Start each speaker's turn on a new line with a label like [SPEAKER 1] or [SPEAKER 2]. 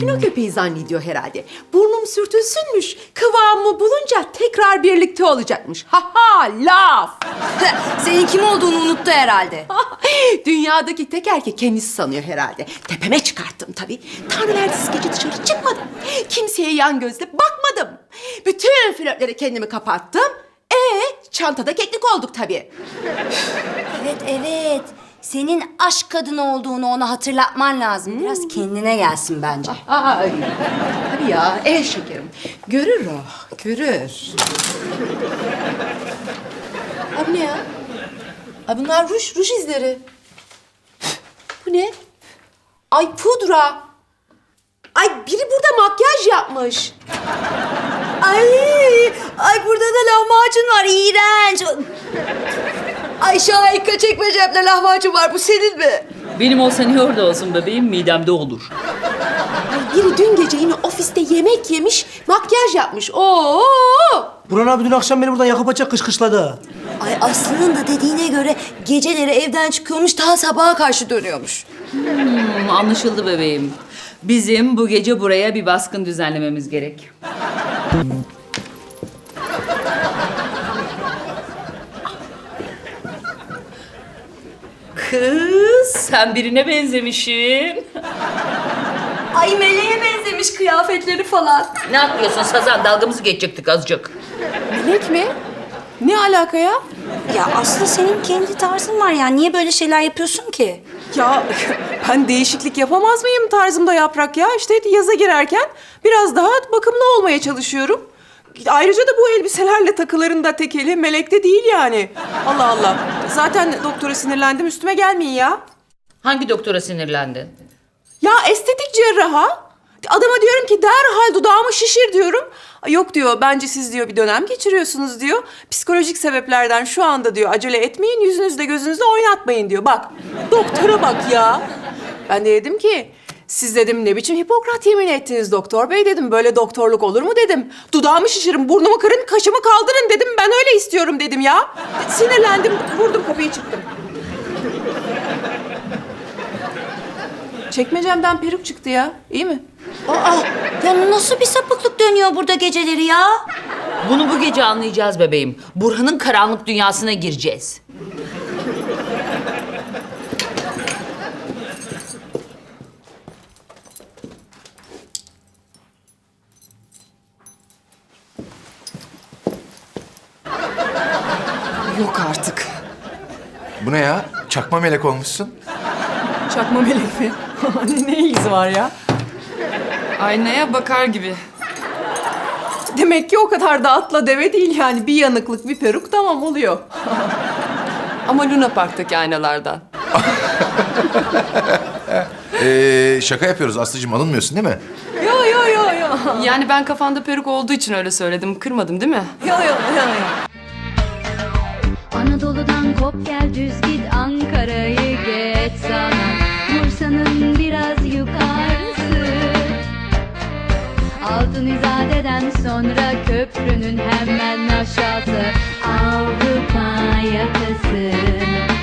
[SPEAKER 1] Fino köpeği zannediyor herhalde. Burnum sürtülsünmüş. Kıvamımı bulunca tekrar birlikte olacakmış. Ha ha laf.
[SPEAKER 2] Senin kim olduğunu unuttu herhalde.
[SPEAKER 1] Dünyadaki tek erkek kendisi sanıyor herhalde. Tepeme çıkarttım tabii. Tanrı verdisi gece dışarı çıkmadım. Kimseye yan gözle bakmadım. Bütün flörtlere kendimi kapattım. Çantada keklik olduk tabii.
[SPEAKER 2] Evet. Senin aşk kadını olduğunu ona hatırlatman lazım. Biraz kendine gelsin bence.
[SPEAKER 1] Ay, tabii ya, şekerim. Görür o, görür. Abi ne ya? Ay bunlar ruj izleri. Bu ne? Ay pudra. Ay biri burada makyaj yapmış.
[SPEAKER 2] Ay burada da lahmacun var, iğrenç. Ay Şahika çekmecemde lahmacun var, bu senin mi?
[SPEAKER 3] Benim olsa niye orada olsun bebeğim? Midemde olur.
[SPEAKER 1] Ay biri dün gece yine ofiste yemek yemiş, makyaj yapmış. Oo!
[SPEAKER 4] Burhan abi dün akşam beni buradan yakıp açacak kışkışladı.
[SPEAKER 2] Ay Aslı'nın da dediğine göre geceleri evden çıkıyormuş, daha sabaha karşı dönüyormuş.
[SPEAKER 3] Anlaşıldı bebeğim. Bizim bu gece buraya bir baskın düzenlememiz gerek. Kız, sen birine benzemişsin.
[SPEAKER 2] Ay meleğe benzemiş kıyafetleri falan.
[SPEAKER 3] Ne yapıyorsun Sazan? Dalgamızı geçecektik azıcık.
[SPEAKER 1] Melek mi? Ne alaka ya?
[SPEAKER 2] Ya Aslı senin kendi tarzın var ya, niye böyle şeyler yapıyorsun ki?
[SPEAKER 5] Ya ben değişiklik yapamaz mıyım tarzımda Yaprak ya? İşte yaza girerken biraz daha bakımlı olmaya çalışıyorum. Ayrıca da bu elbiselerle takılarında tekeli melekte değil yani. Allah Allah. Zaten doktora sinirlendim, üstüme gelmeyin ya.
[SPEAKER 3] Hangi doktora sinirlendin?
[SPEAKER 5] Ya estetik cerraha. Adama diyorum ki derhal dudağımı şişir diyorum. Yok diyor, bence siz diyor bir dönem geçiriyorsunuz diyor. Psikolojik sebeplerden şu anda diyor acele etmeyin, yüzünüzde gözünüzde oynatmayın diyor. Bak, doktora bak ya. Ben de dedim ki, siz dedim ne biçim Hipokrat yemini ettiniz doktor bey dedim. Böyle doktorluk olur mu dedim. Dudağımı şişirin, burnumu kırın, kaşımı kaldırın dedim. Ben öyle istiyorum dedim ya. Sinirlendim, vurdum kapıyı çıktım. Çekmecemden peruk çıktı ya. İyi mi?
[SPEAKER 2] Aa, ya nasıl bir sapıklık dönüyor burada geceleri ya?
[SPEAKER 3] Bunu bu gece anlayacağız bebeğim. Burhan'ın karanlık dünyasına gireceğiz.
[SPEAKER 5] Yok artık.
[SPEAKER 6] Bu ne ya? Çakma melek olmuşsun.
[SPEAKER 5] Çakma melek mi? Ne ilgisi var ya?
[SPEAKER 7] Aynaya bakar gibi.
[SPEAKER 5] Demek ki o kadar da atla deve değil yani. Bir yanıklık, bir peruk tamam oluyor.
[SPEAKER 7] Ama Luna Park'taki aynalardan.
[SPEAKER 6] Şaka yapıyoruz Aslı'cığım, alınmıyorsun değil mi?
[SPEAKER 5] Yo.
[SPEAKER 7] Yani ben kafanda peruk olduğu için öyle söyledim. Kırmadım değil mi?
[SPEAKER 5] Yo.
[SPEAKER 8] Anadolu'dan kop gel düz git Ankara'yı geç sana Bursa'nın biraz yukarısı Altın İzade'den sonra köprünün hemen aşağısı Avrupa yakası